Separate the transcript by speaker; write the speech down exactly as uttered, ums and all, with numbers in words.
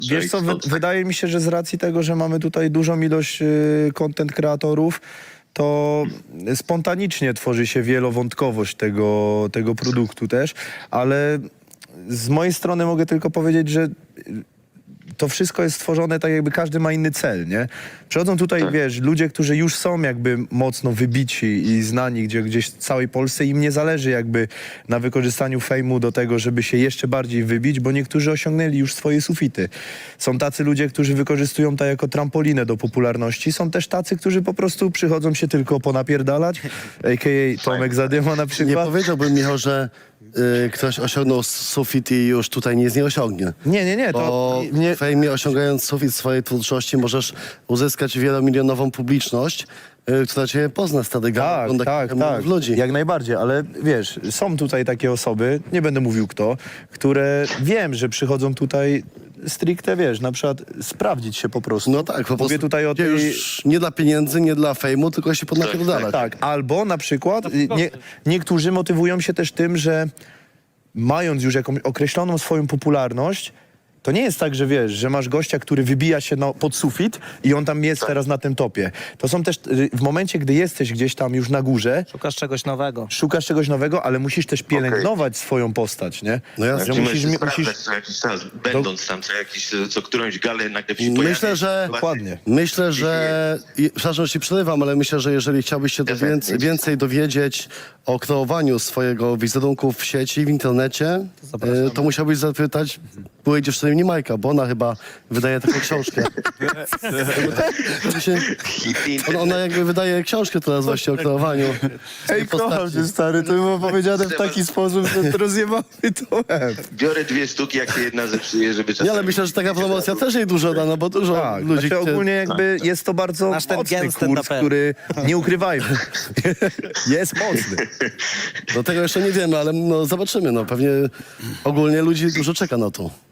Speaker 1: Wiesz co, wy, wydaje mi się, że z racji tego, że mamy tutaj dużą ilość y, content kreatorów, to spontanicznie tworzy się wielowątkowość tego, tego produktu też, ale z mojej strony mogę tylko powiedzieć, że to wszystko jest stworzone tak, jakby każdy ma inny cel, nie? Przychodzą tutaj,
Speaker 2: Tak.
Speaker 1: wiesz, ludzie, którzy już są jakby mocno wybici i znani gdzie, gdzieś w całej Polsce. Im nie zależy jakby na wykorzystaniu fejmu do tego, żeby się jeszcze bardziej wybić, bo niektórzy osiągnęli już swoje sufity. Są tacy ludzie, którzy wykorzystują to jako trampolinę do popularności. Są też tacy, którzy po prostu przychodzą się tylko ponapierdalać, a k a. Tomek Zadyma na
Speaker 3: Nie
Speaker 1: przykład.
Speaker 3: powiedziałbym, Michał, że y, ktoś osiągnął sufit i już tutaj nic nie osiągnie.
Speaker 1: Nie, nie, nie. To
Speaker 3: Bo
Speaker 1: nie,
Speaker 3: w fejmie osiągając sufit swojej twórczości możesz uzyskać wielomilionową publiczność, y, która cię pozna stary gala,
Speaker 1: Tak,
Speaker 3: ogląda
Speaker 1: tak,
Speaker 3: kilka
Speaker 1: tak,
Speaker 3: milionów ludzi.
Speaker 1: jak najbardziej, ale wiesz, są tutaj takie osoby, nie będę mówił kto, które wiem, że przychodzą tutaj stricte, wiesz, na przykład sprawdzić się po prostu.
Speaker 3: No tak, po prostu
Speaker 1: Mówię tutaj o
Speaker 3: idzie
Speaker 1: tej...
Speaker 3: już nie dla pieniędzy, nie dla fejmu, tylko się podnapierdalać.
Speaker 1: Tak, albo na przykład nie, niektórzy motywują się też tym, że mając już jakąś określoną swoją popularność, to nie jest tak, że wiesz, że masz gościa, który wybija się no, pod sufit i on tam jest teraz na tym topie. To są też, y, w momencie, gdy jesteś gdzieś tam już na górze,
Speaker 4: Szukasz czegoś nowego.
Speaker 1: szukasz czegoś nowego, ale musisz też pielęgnować swoją postać, nie?
Speaker 3: No jasne.
Speaker 1: Że
Speaker 2: Że
Speaker 1: musisz,
Speaker 2: musisz,
Speaker 1: musisz...
Speaker 2: sprawdzać co jakiś czas, będąc tam co, jakiś, co którąś galę nagle się pojawi.
Speaker 3: Myślę, że...
Speaker 1: Dokładnie.
Speaker 3: Myślę, że... i- Przepraszam, że ci przerywam, ale myślę, że jeżeli chciałbyś się do
Speaker 2: Jasne.
Speaker 3: więcej, więcej dowiedzieć o kreowaniu swojego wizerunku w sieci, w internecie,
Speaker 4: zapraszamy.
Speaker 3: y, to musiałbyś zapytać byłej dziewczyny mnie Majka, bo ona chyba wydaje taką książkę. To mi się, ona, ona jakby wydaje książkę teraz właśnie o kreowaniu.
Speaker 1: Ej, kocham
Speaker 3: postaci.
Speaker 1: cię, stary, to było powiedziane w taki sposób, że rozjebamy to łeb.
Speaker 2: Biorę dwie sztuki, jak się jedna zepsuje, żeby czasami...
Speaker 3: Nie, ale myślę, że taka promocja też jej dużo da, no bo dużo
Speaker 1: Tak,
Speaker 3: ludzi...
Speaker 1: znaczy
Speaker 3: chce-
Speaker 1: ogólnie jakby jest to bardzo
Speaker 4: Masz ten
Speaker 1: mocny
Speaker 4: gen
Speaker 1: kurs,
Speaker 4: stand-upery.
Speaker 1: który, nie ukrywajmy, jest mocny.
Speaker 3: Do tego jeszcze nie wiemy, ale no zobaczymy, no pewnie ogólnie ludzi dużo czeka na to.